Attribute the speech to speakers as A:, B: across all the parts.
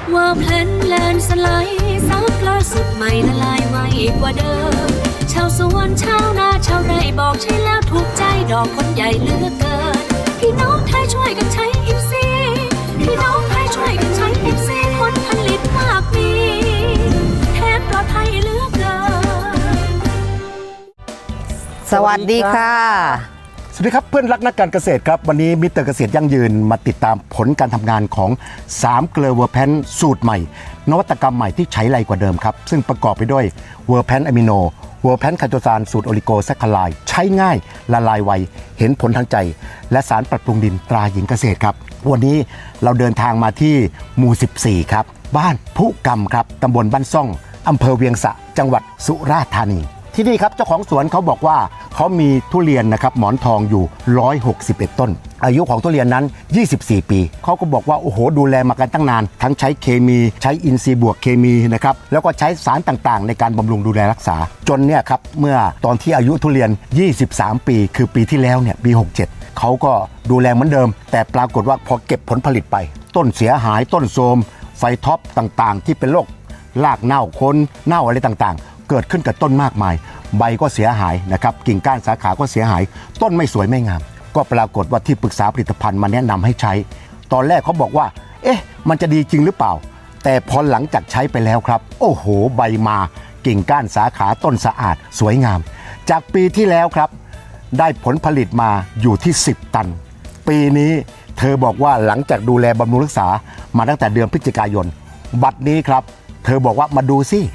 A: ว่าเพลนแลนสไลด์ซับล่าสุดใหม่ละลายไวกว่าเดิมชาวสวนชาวนาชาวไร่บอกใช่แล้วถูกใจดอกคนใหญ่เหลือกเกินพี่น้องไทยช่วยกันใช้อิฟซีพี่น้องไทยช่วยกันใช้อิฟซีผลผลิตมากมีแทนปลอดภัยเหลือกเกิน
B: สวัสดีค่ะ
C: สวัสดีครับเพื่อนรักนักการเกษตรครับวันนี้มิสเตอร์เกษตรยั่งยืนมาติดตามผลการทำงานของ3เกลือเวอร์แพนสูตรใหม่นวัตกรรมใหม่ที่ใช้ไรกว่าเดิมครับซึ่งประกอบไปด้วยเวอร์แพนอะมิโนเวอร์แพนคาโตซานสูตรโอลิโกแซคคาไลด์ใช้ง่ายละลายไวเห็นผลทางใจและสารปรับปรุงดินตราหญิงเกษตรครับวันนี้เราเดินทางมาที่หมู่14ครับบ้านพุกรรมครับตำบลบ้านซ่องอำเภอเวียงสะจังหวัดสุราษฎร์ธานีที่นี่ครับเจ้าของสวนเขาบอกว่าเขามีทุเรียนนะครับหมอนทองอยู่161ต้นอายุของทุเรียนนั้น24ปีเขาก็บอกว่าโอ้โหดูแลมากันตั้งนานทั้งใช้เคมีใช้อินทรีย์บวกเคมีนะครับแล้วก็ใช้สารต่างๆในการบำรุงดูแลรักษาจนเนี่ยครับเมื่อตอนที่อายุทุเรียน23ปีคือปีที่แล้วเนี่ยปี67เขาก็ดูแลเหมือนเดิมแต่ปรากฏว่าพอเก็บผลผลิตไปต้นเสียหายต้นโทรมไฟท็อปต่างๆที่เป็นโรครากเน่าคนเน่าอะไรต่างๆเกิดขึ้นกับต้นมากมายใบก็เสียหายนะครับกิ่งก้านสาขาก็เสียหายต้นไม่สวยไม่งามก็ปรากฏว่าที่ปรึกษาผลิตภัณฑ์มาแนะนำให้ใช้ตอนแรกเขาบอกว่าเอ๊ะมันจะดีจริงหรือเปล่าแต่พอหลังจากใช้ไปแล้วครับโอ้โหใบมากิ่งก้านสาขาต้นสะอาดสวยงามจากปีที่แล้วครับได้ผลผลิตมาอยู่ที่10ตันปีนี้เธอบอกว่าหลังจากดูแลบำรุงรักษามาตั้งแต่เดือนพฤศจิกายนบัดนี้ครับเธอบอกว่ามาดูสิ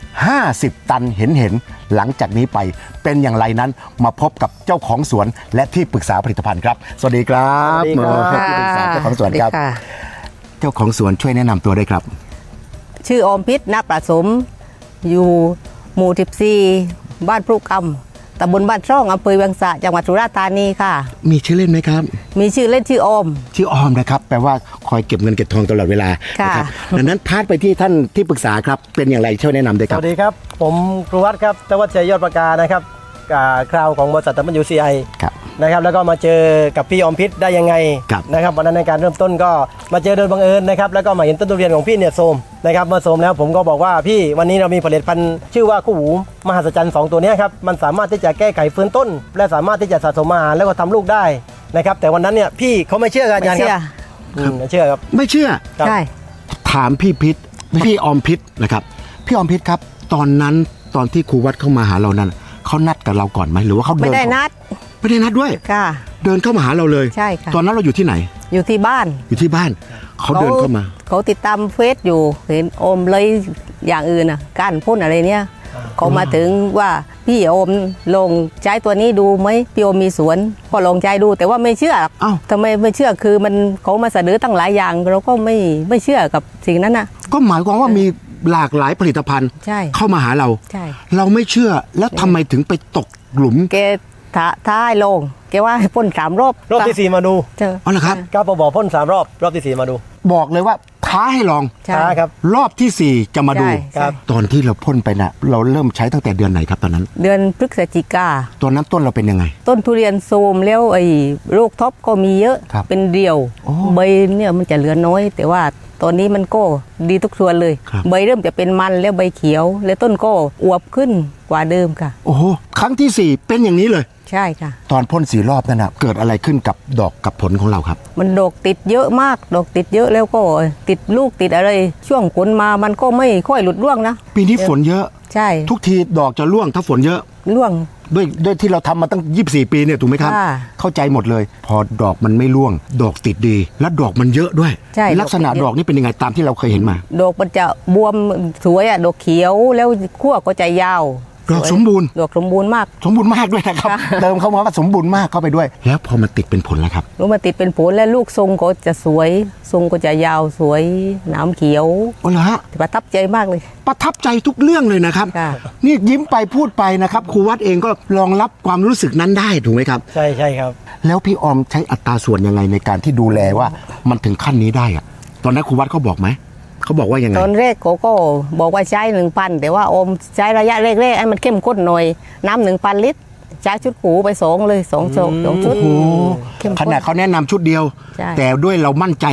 C: 50ตันเห็นหลังจากนี้ไปเป็นอย่างไรนั้นมาพบกับเจ้าของสวนและที่ปรึกษาผลิตภัณฑ์ครับสวัสดีครับที่ปรึกษาเจ้าของสวนครับเจ้าของสวนช่วยแนะนำตัวด้วยครับ
B: ชื่ออมพิษณประสมอยู่หมู่14บ้านพรุกรรมตำบลบ้านช่องอำเภอเวียงสะจังหวัดสุราษฎร์ธานีค่ะ
C: มีชื่อเล่นไหมครับ
B: มีชื่อเล่นชื่ออม
C: นะครับแปลว่าคอยเก็บเงินเก็บทองตลอดเวลานะครับดังนั้นพาดไปที่ท่านที่ปรึกษาครับเป็นอย่างไรช่วยแนะนำด้วยครับ
D: สวัสดีครับผมครูวัดครับธวัชชัยยอดประกานะครับคราวของบริษัทWCI นะครับแล้วก็มาเจอกับพี่อมพิษได้ยังไงนะครับวันนั้นในการเริ่มต้นก็มาเจอโดยบังเอิญนะครับแล้วก็มาเห็นต้นทุเรียนของพี่เนี่ยโทรมนะครับเมื่อโทรมแล้วผมก็บอกว่าพี่วันนี้เรามีผลิตภัณฑ์ชื่อว่าคู่หูมหัศจรรย์2ตัวนี้ครับมันสามารถที่จะแก้ไขฟื้นต้นและสามารถที่จะสะสมอาหารแล้วก็ทำลูกได้นะครับแต่วันนั้นเนี่ยพี่เขาไม่เชื่อกันอาจารย์ครับไม่เชื่อครับ
C: ไม่เชื่อ
B: ใช่
C: ถามพี่อมพิษนะครับพี่อมพิษครับตอนนั้นตอนที่ครูวัดเข้ามาหาเรานั้นเขานัดกับเราก่อนไหมหรือว่าเขาเดิน
B: ไม่ได้นัด
C: ด้วย
B: ค่ะ
C: เดินเข้ามาหาเราเลย
B: ใช่ค่ะ
C: ตอนนั้นเราอยู่ที่ไหน
B: อยู่ที่บ้าน
C: เขาเดินเข้ามา
B: เขาติดตามเฟซอยู่เห็นอมเลยอย่างอื่นอ่ะก้านพ่นอะไรเนี่ยเขามาถึงว่าพี่อมลงใช้ตัวนี้ดูไหมพี่อมมีสวนพอลองใช้ดูแต่ว่าไม่เชื่อทำไมไม่เชื่อคือมันเขามาเสนอตั้งหลายอย่างเราก็ไม่เชื่อกับสิ่งนั้นนะ
C: ก็หมายความว่ามีหลากหลายผลิตภัณฑ์เข้ามาหาเราเราไม่เชื่อแล้วทำไมถึงไปตกหลุม
B: แกท้ายลงแกว่าให้พ่น3 รอบ
D: ที่4มาดู
C: อ๋อเหรอครับ
D: ก็บอกพ่น3 รอบที่4มาดู
C: บอกเลยว่าท้าให้ลอง
D: ครับ
C: รอบที่4จะมาดูตอนที่เราพ่นไปนะเราเริ่มใช้ตั้งแต่เดือนไหนครับตอนนั้น
B: เดือนพฤศจิกา
C: ตอนนั้นต้นเราเป็นยังไง
B: ต้นทุเรียนโทรมแล้วไอ้โรคท็อปก็มีเยอะเป็นเดี่ยวใบเนี่ยมันจะเหลือน้อยแต่ว่าตอนนี้มันก็ดีทุกส่วนเลยใบเริ่มจะเป็นมันแล้วใบเขียวและต้นก็อวบขึ้นกว่าเดิมค่ะ
C: โอ้โหครั้งที่4เป็นอย่างนี้เลย
B: ใช่ค่ะ
C: ตอนพ่น4 รอบนั่นนะเกิดอะไรขึ้นกับดอกกับผลของเราครับ
B: มันดอกติดเยอะมากดอกติดเยอะแล้วก็ติดลูกติดอะไรช่วงฝนมามันก็ไม่ค่อยหลุดร่วงนะ
C: ปีนี้ฝนเยอะ
B: ใช่
C: ทุกทีดอกจะร่วงถ้าฝนเยอะ
B: ร่วง
C: ด้วยที่เราทำมาตั้ง24ปีเนี่ยถูกไหมครับเข้าใจหมดเลยพอดอกมันไม่ร่วงดอกติดดีและดอกมันเยอะด้วยลักษณะดอกนี่เป็นยังไงตามที่เราเคยเห็นมา
B: ดอกมันจะบวมสวยอ่ะดอกเขียวแล้วขั้วก็จะยาว
C: ดอกสมบูรณ์
B: มาก
C: ด้วยนะครับเติมเข้ามาว่าสมบูรณ์มากเข้าไปด้วยแล้วพอมันติดเป็นผลแล้วครับ
B: มันติดเป็นผลแล้วลูกทรงก็จะสวยทรงก็จะยาวสวยหนามเขียว
C: อ๋อเหรอฮะ
B: ประทับใจมากเลย
C: ประทับใจทุกเรื่องเลยนะครับนี่ยิ้มไปพูดไปนะครับครูวัดเองก็รองรับความรู้สึกนั้นได้ถูกไหมครับ
D: ใช่ครับ
C: แล้วพี่อมใช้อัตราส่วนยังไงในการที่ดูแลว่ามันถึงขั้นนี้ได้อะตอนนั้นครูวัดเขาบอกไหมเขาบอกว่ายังไง
B: ตอนแรกเขาก็บอกว่าใช้ 1,000 แต่ว่าอมใช้ระยะแรกๆให้มันเข้มข้นหน่อยน้ำ 1,000 ลิตรใช้ชุดหูไป2เลย2ชุด
C: ขนาดเขาแนะนำชุดเดียวแต่ด้วยเรามั่นใจแล้ว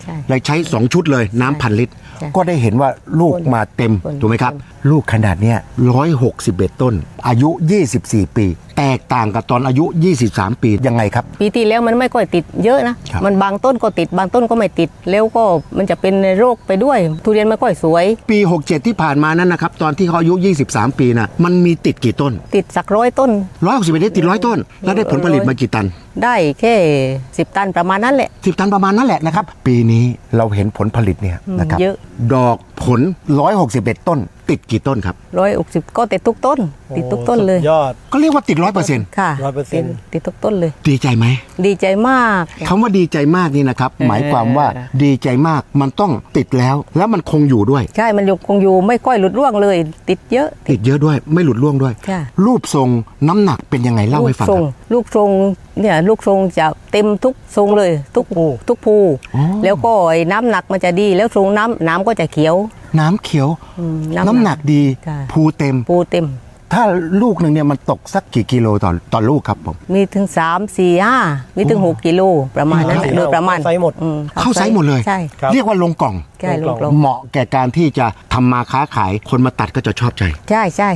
B: ใช่
C: เลยใช้ 2 ชุดเลยน้ำพันลิตร
B: ใช่
C: ก็ได้เห็นว่าลูกมาเต็ม
B: คน
C: ถูกไหมครับ ลูกขนาดเนี้ย161 ต้น อายุ 24 ปี แตกต่างกับตอนอายุ 23 ปียังไงครับ
B: ปีที่แล้วมันไม่ค่อยติดเยอะนะ
C: ครับ
B: มันบางต้นก็ติดบางต้นก็ไม่ติดแล้วก็มันจะเป็นโรคไปด้วย ทุเรียนไม่ค่อยสวย
C: ปี 67 ที่ผ่านมานั้นนะครับตอนที่เขาอายุ 23 ปีนะมันมีติดกี่ต้น
B: ติดสัก100 ต้น
C: 161ได้ติด100 ต้น แล้วได้ผลผลิตมากี่ตัน
B: ได้แค่10 ตันประมาณนั้นแหละ
C: 10 ตันประมาณนั้นแหละนะครับ ปีนี้เราเห็นผลผลิตเนี่ยนะครับ
B: เยอะ
C: ดอกผล 161 ต้น ติดกี่ต้นครับ
B: 160ก็ติดทุกต้น ติดทุกต้นเลย
D: สุดยอด
C: ก็เรียกว่าติด 100%
B: ค่ะ
D: 100%
B: ติดทุกต้นเลย
C: ดีใจไหม
B: ดีใจมาก
C: คำว่าดีใจมากนี่นะครับ หมายความว่าดีใจมากมันต้องติดแล้ว แล้วมันคงอยู่ด้วย
B: ใช่มันคงอยู่ไม่ค่อยหลุดร่วงเลย ติดเยอะ
C: ติดเยอะด้วยไม่หลุดร่วงด้วย
B: ค่ะ
C: รูปทรงน้ำหนักเป็นยังไงเล่าให้ฟัง
B: ท
C: ค
B: ร
C: รับ
B: ลูกทรงเนี่ยลูกทรงจะเต็มทุกทรงเลยทุกภู
C: อ๋อ
B: แล้วก็ไอ้น้ำหนักมันจะดีแล้วทรงน้ำก็จะเขียว
C: น้ำเขียว
B: น้ำ
C: น้ำหนักดี
B: ค่ะ
C: ภูเต็ม
B: ภูเต็ม
C: ถ้าลูกหนึ่งเนี่ยมันตกสักกี่กิโลต่อลูกครับผม
B: มีถึง3 4 5มีถึง6 กิโลประมาณนั้นแหละ
D: 4
B: โดยประมาณ
D: เข้าไซส์หมด
C: เข้าไซส์หมดเลย
B: ใช่
D: ครับ
C: เรียกว่าลงกล่อง
B: ใช่ลงกลง
C: เหมาะแก่การที่จะทำมาค้าขายคนมาตัดก็จะชอบใจ
B: ใช่ใช่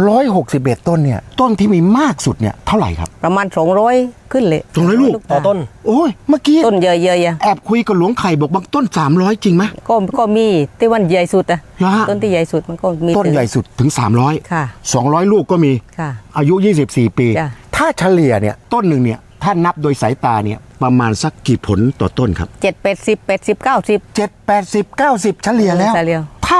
C: 161 ต้นเนี่ยต้นที่มีมากสุดเนี่ยเท่าไหร่ครับ
B: ประมาณ200ขึ้นเลย
C: 200ลูก
D: ต่อต้น
C: โอ้ยเมื่อกี้
B: ต้นเยอะๆอะ
C: แอบคุยกับหลวงไข่บอกบางต้น 300 จริงไหม
B: ก็มีที่วันใหญ่สุดอะ
C: เหรอฮะ
B: ต้นที่ใหญ่สุดมันก็มี
C: ต้นใหญ่สุดถึง 300
B: ค่ะ
C: 200 ลูกก็มี
B: ค่ะ
C: อายุ 24 ปี
B: จ้ะ
C: ถ้าเฉลี่ยเนี่ยต้นหนึ่งเนี่ยถ้านับโดยสายตาเนี่ยประมาณสักกี่ผลต่อต้นครับ
B: 7 80 80 90
C: 7 80 90 เฉลี่ยแล้ว
B: เฉลี่ย
C: ถ้า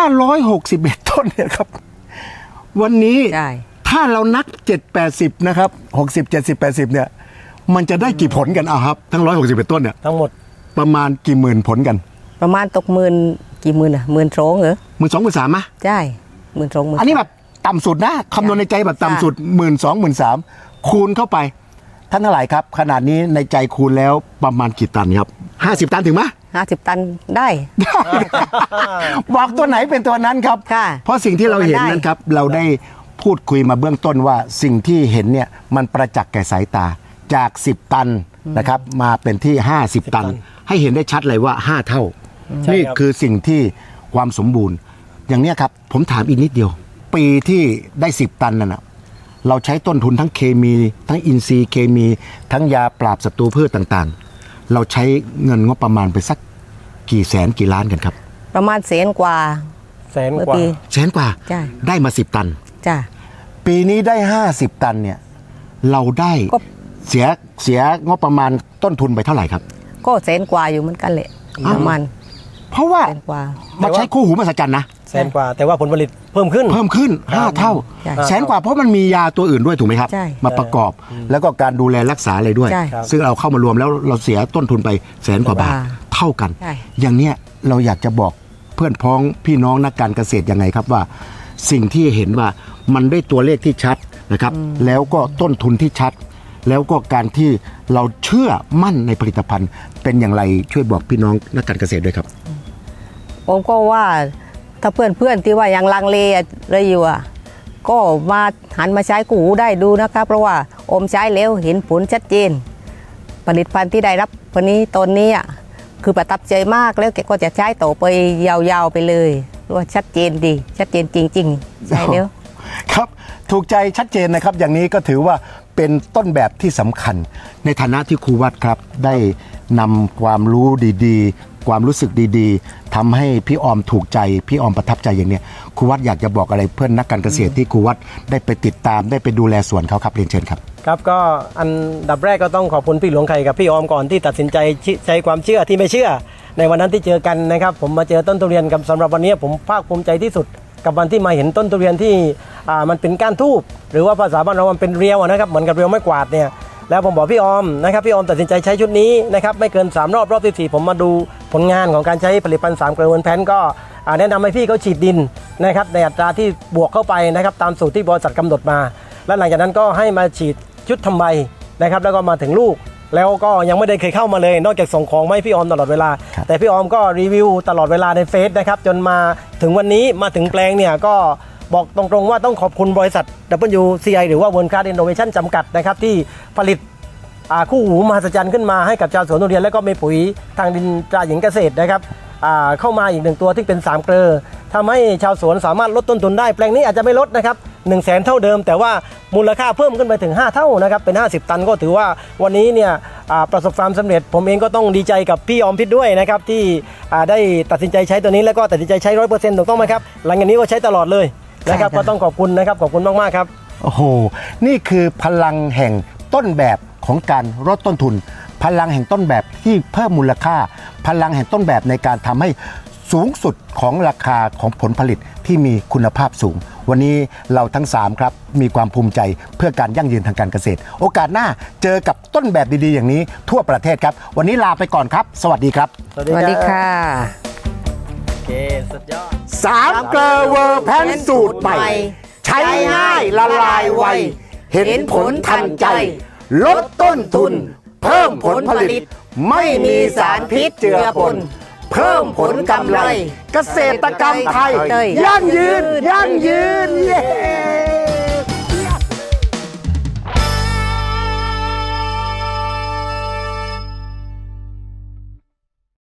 C: 161 ต้นเนี่ยครับ วันนี้
B: ใช่
C: ถ้าเรานับ 7 80 นะครับ 60 70 80 เนี่ย มันจะได้กี่ผลกันอ่ะครับ ทั้ง 161 ต้นเนี่ย
D: ทั้งหมด
C: ประมาณกี่หมื่นผลกัน
B: ประมาณตกหมื่นกี่หมื่นอะ12,000เหรอ
C: 12,000 13,000มะ
B: ใช่12,000
C: อันนี้แบบต่ำสุดนะคำนวณในใจแบบต่ำสุด 12,000 13,000 คูณเข้าไป ท่านเท่าไหร่ครับ ขนาดนี้ในใจคูณแล้วประมาณกี่ตันครับ 50 ตันถึงไหม
B: 50 ตันได้
C: บอกตัวไหนเป็นตัวนั้นครับ
B: ค่ะ
C: เพราะสิ่งที่เราเห็น
B: ได้
C: นั้นครับ เราได้พูดคุยมาเบื้องต้นว่าสิ่งที่เห็นเนี่ยมันประจักษ์แก่สายตาจาก 10 ตันนะครับมาเป็นที่ 50 ตัน ให้เห็นได้ชัดเลยว่า 5 เท่า
D: ใช่
C: นี่
D: ครับ
C: คือสิ่งที่ความสมบูรณ์ อย่างเนี้ยครับ ผมถามอีกนิดเดียว ปีที่ได้ 10 ตันนั่นนะเราใช้ต้นทุนทั้งเคมี ทั้งอินทรีย์เคมี ทั้งยาปราบศัตรูพืชต่างๆ เราใช้เงินงบประมาณไปสักกี่แสนกี่ล้านกันครับ
B: ประมาณ100,000 กว่า
D: แสน
B: เมื่อก
D: ว่า
B: ปี
C: แสนกว่า
B: ใช่
C: ได้มา 10 ตัน
B: จ้ะ
C: ปีนี้ได้ 50 ตันเนี่ยเราได้
B: ก็
C: เสียงบประมาณต้นทุนไปเท่าไหร่ครับ
B: ก็100,000 กว่าอยู่เหมือนกันแหละประมาณ
C: เพราะว่า
B: 100,000 กว่า
C: มาใช้คู่หูมหัศจรรย์นะ
D: แสนกว่า แต่ว่าผลผลิตเพิ่มขึ้น
C: เพิ่มขึ้น 5 เท่า
B: ใช่
C: แสนกว่าเพราะมันมียาตัวอื่นด้วยถูกไหมครับ
B: ใช่
C: มาประกอบแล้วก็การดูแลรักษาอะไรด้วย
B: ใช่
C: ซึ่งเราเข้ามารวมแล้วเราเสียต้นทุนไปแสนกว่าบาท
B: บาท
C: เท่ากัน
B: ใช่
C: อย่างเนี้ยเราอยากจะบอกเพื่อนพ้องพี่น้องนักการเกษตรยังไงครับว่า สิ่งที่เห็นว่ามันได้ตัวเลขที่ชัดนะครับ แล้วก็ต้นทุนที่ชัด แล้วก็การที่เราเชื่อมั่นในผลิตภัณฑ์ เป็นอย่างไรช่วยบอกพี่น้องนักการเกษตรด้วยครับ
B: ผมก็ว่าถ้าเพื่อนๆที่ว่ายังลังเลอะไรอยู่อ่ะก็มาหันมาใช้กูหูได้ดูนะครับเพราะว่าอมใช้แล้วเห็นผลชัดเจน ผลิตภัณฑ์ที่ได้รับวันนี้ตอนนี้อ่ะคือประทับใจมากแล้วแกก็จะใช้ต่อไปยาวๆไปเลยเพราะว่าชัดเจนดีชัดเจนจริงๆใช่แล้ว
C: ครับถูกใจชัดเจนนะครับอย่างนี้ก็ถือว่าเป็นต้นแบบที่สำคัญ ในฐานะที่ครูวัดครับได้นำความรู้ดีๆ ความรู้สึกดีๆทำให้พี่ออมถูกใจพี่ออมประทับใจอย่างเนี้ยครูวัดอยากจะบอกอะไรเพื่อนนักการเกษตรที่ครูวัดได้ไปติดตามได้ไปดูแลสวนเขาครับเรียนเชิญครับ
D: ครับก็อันดับแรกก็ต้องขอบคุณพี่หลวงไข่กับพี่ออมก่อนที่ตัดสินใจใช้ความเชื่อที่ไม่เชื่อ ในวันนั้นที่เจอกันนะครับผมมาเจอต้นทุเรียนกับสำหรับวันนี้ผมภาคภูมิใจที่สุด กับวันที่มาเห็นต้นทุเรียนที่มันเป็นก้านทูบหรือว่าภาษาบ้านเรามันเป็นเรียวนะครับเหมือนกับเรียวไม้กวาดเนี่ยแล้วผมบอกพี่ออมนะครับพี่ออมตัดสินใจใช้ชุดนี้นะครับไม่เกิน3รอบที่4ผมมาดูผลงานของการใช้ผลิตภัณฑ์3 เกลือเวิร์นแพนก็แนะนำให้พี่เขาฉีดดินนะครับในอัตราที่บวกเข้าไปนะครับตามสูตรที่บริษัทกำหนดมา แล้วหลังจากนั้นก็ให้มาฉีดชุดทำใบนะครับแล้วก็มาถึงลูก แล้วก็ยังไม่ได้เคยเข้ามาเลย นอกจากส่งของมาให้พี่ออมตลอดเวลา แต่พี่ออมก็รีวิวตลอดเวลาในเฟซนะครับจนมาถึงวันนี้มาถึงแปลงเนี่ยก็บอกตรงๆว่าต้องขอบคุณบริษัท WCI หรือว่า World Class Innovation จำกัดนะครับที่ผลิตคู่หูมหัศจรรย์ขึ้นมาให้กับชาวสวนทุเรียนแล้วก็มีปุ๋ยทางดินตราหญิงเกษตรนะครับเข้ามาอีก1ตัวที่เป็น3เกลอทำให้ชาวสวนสามารถลดต้นทุนได้แปลงนี้อาจจะไม่ลดนะครับ100,000 เท่าเดิมแต่ว่ามูลค่าเพิ่มขึ้นไปถึง5เท่านะครับเป็น50 ตันก็ถือว่าวันนี้เนี่ยประสบความสำเร็จผมเองก็ต้องดีใจกับพี่อมพิษด้วยนะครับที่ได้ตัดสินใจใช้ตัวนี้แล้วก็ตัดสินใจใช้ 100% ถูกต้องไหมครับหลังจากนี้ก็ใช้ตลอดเลยนะครับก็ต้องขอบคุณนะครับขอบคุณมากๆครับ
C: โอ้โห นี่คือพลังแห่งต้นแบบของการลดต้นทุน พลังแห่งต้นแบบที่เพิ่มมูลค่า พลังแห่งต้นแบบในการทำให้สูงสุดของราคาของผลผลิตที่มีคุณภาพสูง วันนี้เราทั้ง3ครับมีความภูมิใจเพื่อการยั่งยืนทางการเกษตร โอกาสหน้าเจอกับต้นแบบดีๆอย่างนี้ทั่วประเทศครับ วันนี้ลาไปก่อนครับ สวัสดีครับ
B: สวัสดีค่ะ
D: โอเคสุดยอด
C: 3 เกลอเวอร์แพนสูตรใหม่ ใช้ง่ายละลายไว เห็นผลทันใจ ลดต้นทุน เพิ่มผลผลิต ไม่มีสารพิษเจือปน เพิ่มผลกำไร เกษตรกรรมไทย ยั่งยืนยั่ง